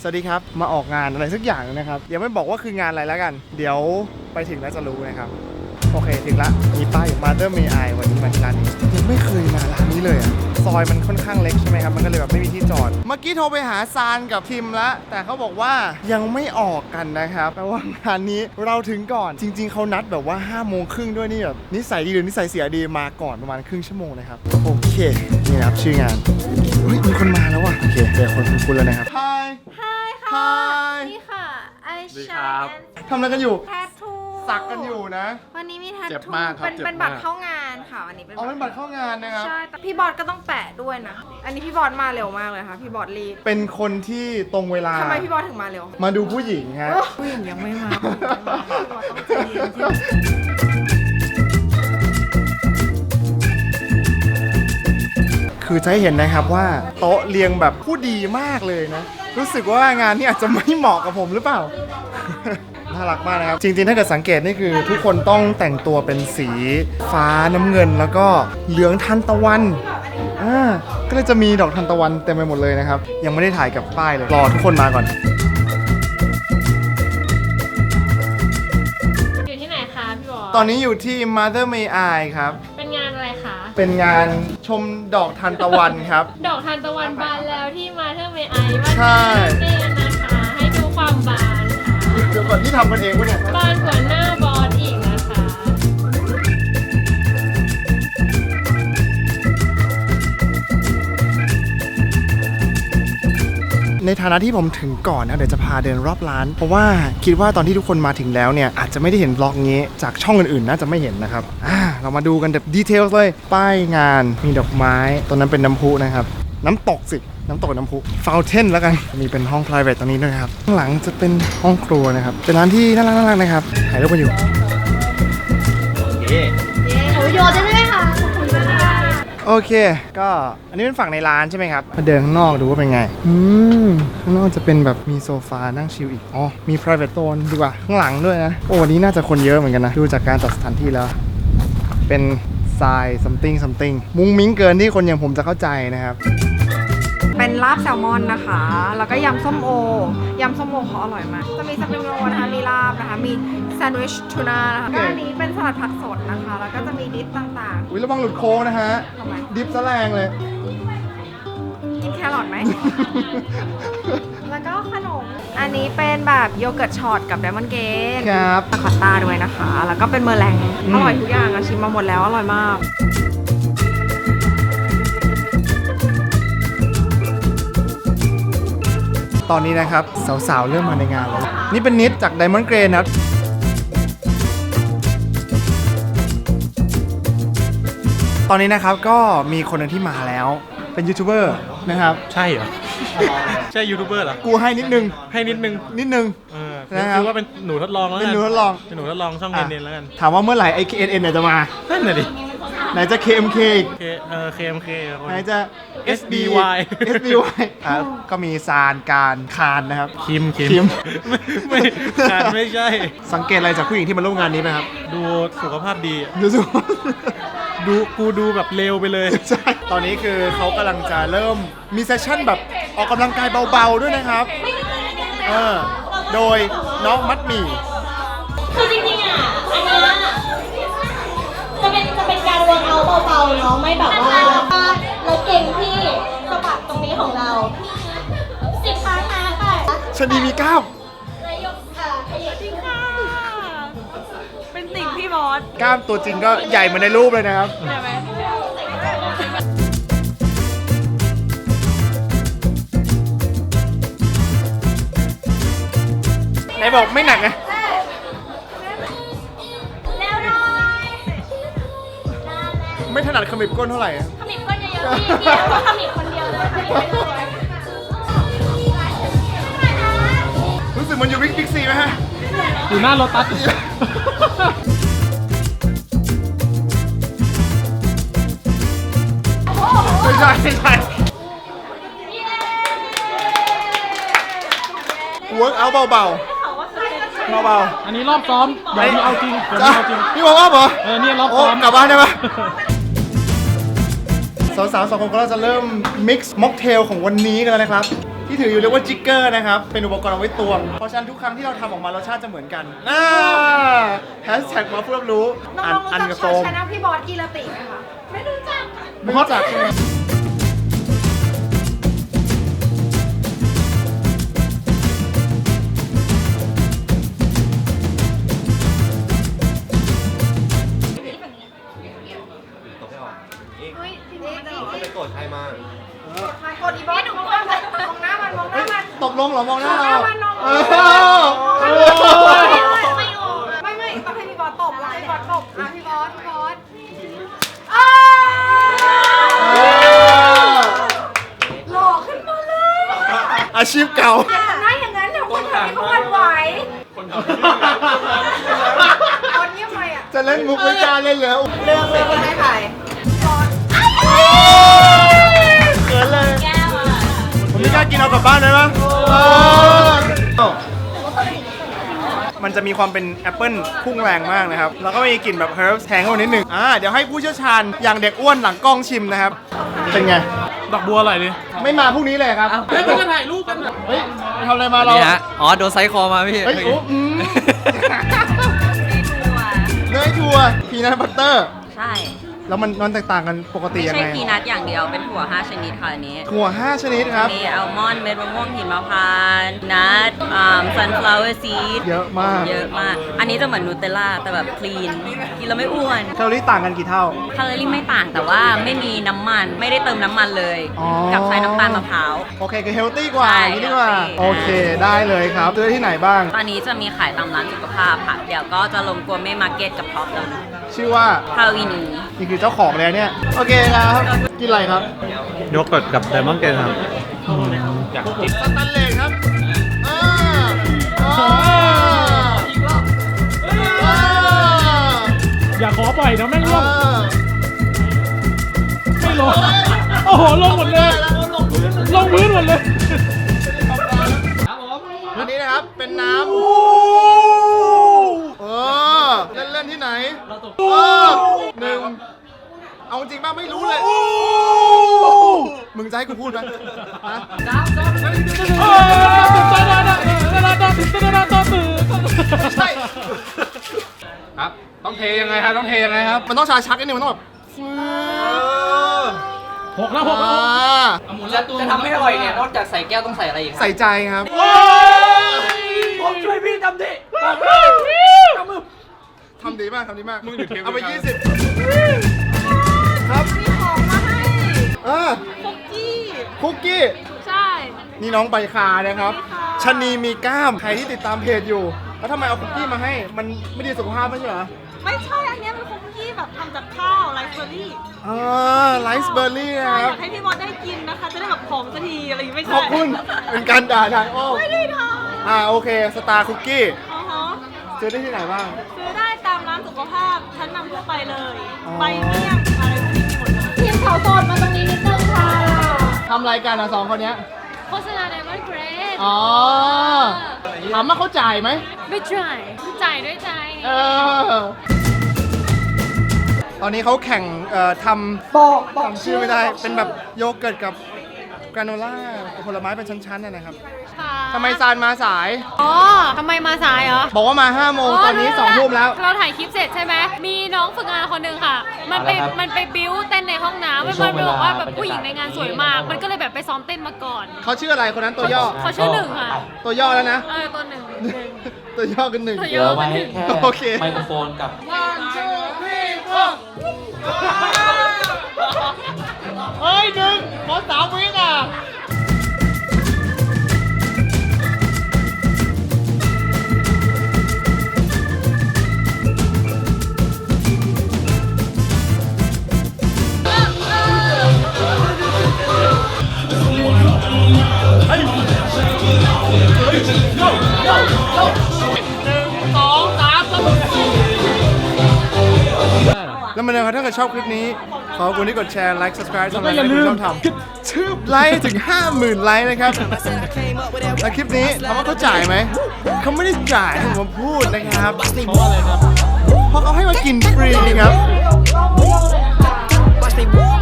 วัสดีครับมาออกงานอะไรสักอย่างนะครับยังไม่บอกว่าคืองานอะไรแล้วกันเดี๋ยวไปถึงแล้วจะรู้นะครับโอเคถึงละมีป้ายอยู่ Mother May I วันนี้มาที่ร้านนี้ยังไม่เคยมาร้านนี้เลยอะซอยมันค่อนข้างเล็กใช่ไหมครับมันก็เลยแบบไม่มีที่จอดเมื่อกี้โทรไปหาซานกับทิมแล้วแต่เขาบอกว่ายังไม่ออกกันนะครับแปลว่างานนี้เราถึงก่อนจริงๆเขานัดแบบว่า5 โมงครึ่งด้วยนี่แบบนิสัยดีหรือนิสัยเสียดีมาก่อนประมาณครึ่งชั่วโมงนะครับโอเคนี่นะครับชื่องานเฮ้ยมีคนมาแล้วว่ะโอเคเจอคนคุ้นๆแล้วนะครับ Hi ค่ะนี่ค่ะไอชาทำอะไรกันอยู่แทททูสักกันอยู่นะวันนี้มีแททเจ็บทูมากครับเป็นเจ็บมากบัตรเข้างานค่ะวันนี้เป็นเอาเป็นบัตรเข้างานนะครับใช่แต่พี่บอสก็ต้องแปะด้วยนะ อันนี้พี่บอสมาเร็วมากเลยค่ะพี่บอสรีบเป็นคนที่ตรงเวลาทำไมพี่บอสถึงมาเร็วมาดูผู้หญิงฮะผู้หญิงยังไม่มาพี่บอสต้องใจเย็นจริงคือจะให้เห็นนะครับว่าโต๊ะเรียงแบบผู้ดีมากเลยนะ รู้สึกว่างานนี้อาจจะไม่เหมาะกับผมหรือเปล่า น่ารักมากนะครับ จริงๆถ้าเกิดสังเกตนี่คือทุกคนต้องแต่งตัวเป็นสีฟ้าน้ำเงินแล้วก็เหลืองทานตะวันก็เลยจะมีดอกทานตะวันเต็มไปหมดเลยนะครับยังไม่ได้ถ่ายกับป้ายเลยรอทุกคนมาก่อนอยู่ที่ไหนคะพี่บอสตอนนี้อยู่ที่ Mother May I ครับเป็นงานอะไรคะเป็นงานชมดอกทานตะวันครับดอกทานตะวันบานแล้วที่มาเทอร์เมไอว่าใช่เต้นนะคะ ให้ดูความบานค่ะเดี๋ยวก่อนที่ทำกันเองวะเนี่ยบานกว่าหน้าบอสอีกนะคะในฐานะที่ผมถึงก่อนนะเดี๋ยวจะพาเดินรอบร้าน เพราะว่าคิดว่าตอนที่ทุกคนมาถึงแล้วเนี่ยอาจจะไม่ได้เห็นบล็อกนี้จากช่องอื่นๆน่าจะไม่เห็นนะครับเรามาดูกันแบบดีเทลเลยป้ายงานมีดอกไม้ตรงนั้นเป็นน้ำพุนะครับน้ำตกสิน้ำตกน้ำพุฟาวเทนแล้วกันมีเป็นห้อง private ตรงนี้ด้วยครับข้างหลังจะเป็นห้องครัวนะครับเป็นร้านที่น่ารักๆนะครับถ่ายรูปมาอยู่หนูโยนได้ไหมคะโอเคก็อันนี้เป็นฝั่งในร้านใช่ไหมครับมาเดินข้างนอกดูว่าเป็นไงข้างนอกจะเป็นแบบมีโซฟานั่งชิลอีกอ๋อมี private zone ดีกว่าข้างหลังด้วยนะโอ้วันนี้น่าจะคนเยอะเหมือนกันนะดูจากการจัดสถานที่แล้วเป็นทราย something มุ้งมิ้งเกินที่คนอย่างผมจะเข้าใจนะครับเป็นลาบแซลมอนนะคะ แล้วก็ยำส้มโอยำส้มโอเขาอร่อยมากจะมีสปริงโรลนะคะมีลาบนะคะมีแซนด์วิชทูน่านะคะก็อันนี้เป็นสลัดผักสดนะคะแล้วก็จะมีดิปต่างอุ้ยระวังหลุดโค้งนะฮะทำไมดิฟซะแรงเลยๆกินแครอทไหม แล้วก็ขนม อันนี้เป็นแบบโยเกิร์ตช็อตกับไดมอนด์เกนครับตะคอตต้าด้วยนะคะ แล้วก็เป็นเมอร์แรงอร่อยทุกอย่างอะชิมมาหมดแล้วอร่อยมากตอนนี้นะครับสาวๆเริ่มมาในงานแล้วนี่เป็นนิดจาก Diamond Grey นะครับตอนนี้นะครับก็มีคนหนึงที่มาแล้วเป็นยูทูบเบอร์นะครับใช่เหรอ ใช่ยูทูบเบอร์เหรอกูให้นิดนึงให้นิดนึงนะครับคือว่าเป็นหนูทดลองแล้วเป็นกันหนูทดลองเป็นหนูทดลองช่องเนนแล้วกันถามว่าเมื่อไหร่ไอ้ KNN เนี่ยจะมานั่นน่ะดิไหนจะ KMK อีก KMK คนไหนจะ SBY SBY ก็มีซานการคานนะครับคิมคิมไม่การไม่ใช่สังเกตอะไรจากผู้หญิงที่มาร่วมงานนี้ไหมครับดูสุขภาพดีดูสิกูดูแบบเร็วไปเลยใช่ตอนนี้คือเขากำลังจะเริ่มมีเซสชั่นแบบออกกำลังกายเบาๆด้วยนะครับโดยน้องมัดหมี่คือจริงๆอ่ะ อันเนี้ยจะเป็นการเวิร์กเอาท์เบาๆเนาะไม่แบบว่าเราเก่งที่สะบักตรงนี้ของเรา10 ครั้งนะค่ะชนีมีกล้ามนายกขยับจริงค่ะเป็นติ่งพี่บอสกล้ามตัวจริงก็ใหญ่เหมือนในรูปเลยนะครับใช่ไหมไหนบอกไม่หนักไงเร็วหน่อยไม่ถนัดขมิบก้นเท่าไหร่อะขมิบก้นเยอะๆพี่ก็ขมิบคนเดียวเลยขมิบไปเลยรู้สึกมันอยู่บิ๊กซีไหมฮะอยู่หน้ารถตัสไม่ใช่ไม่ใช่ work out เบาๆเบาอันนี้รอบซ้อมๆเดี๋ยวนี้เอาจริงเดี๋ยวนี้เอาจริงนี่ work out เหรอนี่รอบโอ้ซ้อมกลับบ้านได้ปะ สาวๆ2 คนก็จะเริ่ม mix mocktail ของวันนี้กันแล้วนะครับที่ถืออยู่เรียกว่าจิกเกอร์นะครับ เป็นอุปกรณ์เอาไว้ตวง เพราะฉะนั้นทุกครั้งที่เราทำออกมารสชาติจะเหมือนกันแฮชแท็กมาเพื่อรู้น้องๆอันรู้กับจัโซกมชาแนลพี่บอสกีรติไหมคะ ไม่รู้จักไม่รู้จักใช่ไหมไปโกรธใครมากดอีบอสมองหน้ามันมองหน้ามันมองหน้ามันตกลงเหรอมองหน้าเรามองหน้ามันมองหน้า ไม่ต้องให้พี่บอสตบแล้วพี่บอสตบพี่บอสหล่อขึ้นมาเลยอาชีพเก่าอย่าทำหน้าอย่างนั้นเดี๋ยวคนแถวนี้เขาหวั่นไหวคนเงียบไปอ่ะจะเล่นมุกไม่กล้าเล่นแล้วเลือกเลยว่าให้ใครบอสเขินเลยแก้วอ่ะผมไม่กล้ากินเอากลับบ้านได้ไหมมันจะมีความเป็นแอปเปิ้ลพุ่งแรงมากนะครับ แล้วก็มีกลิ่นแบบเฮิร์บแทงเข้ามานิดนึงเดี๋ยวให้ผู้เชี่ยวชาญอย่างเด็กอ้วนหลังกล้องชิมนะครับ เป็นไงดอกบัวอะไรดิไม่มาพรุ่งนี้เลยครับเฮ้ยมันจะถ่ายรูปกันอะเฮ้ยไปทำอะไรมาเรานี่ฮะ อ๋อ โดนไซส์คอมาพี่เฮ้ยโอ้เนยถั่วพีนัทบัตเตอร์ใช่แล้วมันแตกต่างกันปกติไม่ยังใช่ไงพีนัทอย่างเดียว เป็นถั่ว 5 ชนิดค่ะอันนี้ถั่ว 5 ชนิดครับมีอัลมอนด์เม็ดมะม่วงหินมะพร้าวนัทซันฟลาวเวอร์ซีดเยอะมากเยอะมาก อันนี้จะเหมือนนูเทลล่าแต่แบบคลีน กินแล้วไม่อ้วนแคลอรี่ต่างกันกี่เท่าแคลอรี่ไม่ต่างแต่ว่าไม่มีน้ำมัน ไม่ได้เติมน้ำมันเลยอ๋อกับใช้น้ำตาลมะพร้าวโอเคคือเฮลตี้กว่าใช่อย่างนี้ดีกว่า healthy โอเคได้เลยครับซื้อที่ไหนบ้างตอนนี้จะมีขายตามร้านสุขภาพค่ะ เดี๋ยวก็จะลงกัวเม่มาร์เก็ตกับท็อปแล้วชื่อว่าฮาวีนีนี่คือเจ้าของเลยเนี่ย โอเคครับ กินอะไรครับโยเกิร์ตกับไดมอนด์เกนครับสแตนเลสครับอ่าอย่าขอปล่อยนะแม่งร่วงไม่ลง โอ้โห ลงหมดเลย ลงพื้นหมดเลยอันนี้นะครับ เป็นน้ำเล่นๆที่ไหนหนึ่ง เอาจริงป่ะไม่รู้เลย มึงจะให้กูพูดไหมฮะ ไม่ใช่ครับ ต้องเทยังไงครับ ต้องเทยังไงครับมันต้องชาชักนิดนึงมันต้องแบบหกแล้วหกแล้วจะทำให้อร่อยเนี่ย นอกจากใส่แก้วต้องใส่อะไรอีกครับใส่ใจครับผมช่วยพี่ทำดิทำดีมาก ทำดีมากมึงหยุดเทปเอาไปเลยครับ 20 ครับมีของมาให้คุกกี้ใช่นี่น้องใบคานะครับชะนีมีกล้าม ใครที่ติดตามเพจอยู่ แล้วทำไมเอาคุกกี้มาให้ มันไม่ดีสุขภาพไม่ใช่เหรอไม่ใช่ อันเนี้ยเป็นคุกกี้แบบทำจากข้าวไรซ์เบอร์รี่ไลซ์เบอร์รี่นะใช่คอรับยากให้พี่มอสได้กินนะคะ จะได้แบบผอมสักทีอะไรอย่างงี้ไม่ขใช่อบคุณ เป็นการด่าทางอ้อมไม่ได้ทโอเค สตาร์คุกกี้ำอ๋อฮะซื้อได้ที่ไหนบ้างซื้อได้ตามร้านสุขภาพชั้นนำทั่วไปเลยอ๋อใบเมี่ยงอะไรพวกนี้มีหมดเลยทีมขาวโสดมาตรงนี้นิดนึงค่ะทำรายการสองคนเนี้ยโฆษณาไดมอนด์เกรดอ๋อ ถามว่าเขาจ่ายไหมไม่จ่ายจ่ายด้วยใจตอนนี้เขาแข่งทำจำชื่อไม่ได้ เป็นแบบโยเกิร์ตกับกราโนล่าผลไม้เป็นชั้นๆนะครับทำไมซานมาสายอ๋อ ทำไมมาสายเหรอบอกว่ามา5 โมงตอนนี้2 ทุ่มแล้วเราถ่ายคลิปเสร็จใช่ไหม มีน้องฝึกงานคนหนึ่งค่ะ มันไปบิ้วเต้นในห้องน้ำมันบอกว่าแบบผู้หญิงในงานสวยมาก มันก็เลยแบบไปซ้อมเต้นมาก่อนเขาชื่ออะไรคนนั้นตัวย่อเขาชื่อหนึ่งค่ะตัวย่อแล้วนะตัวหนึ่งตัวย่อกันหนึ่งตัวเหลืย่ออไว้กันหนึ่งแค่โอเคไมโครโฟนกับเฮ้ยหนึ่งขอ3 วิอ่ะแล้วมาเลยครับถ้าเกิดชอบคลิปนี้ ขอบคุณที่กดแชร์ ไลค์ subscribe สำหรับที่คุณชอบทำชื่อไลค์ถึง 50,000 ไลค์นะครับ และคลิปนี้ถามว่าเขาจ่ายไหม เขาไม่ได้จ่ายให้ผมพูดนะครับ เพราะเขาให้มากินฟรีครับ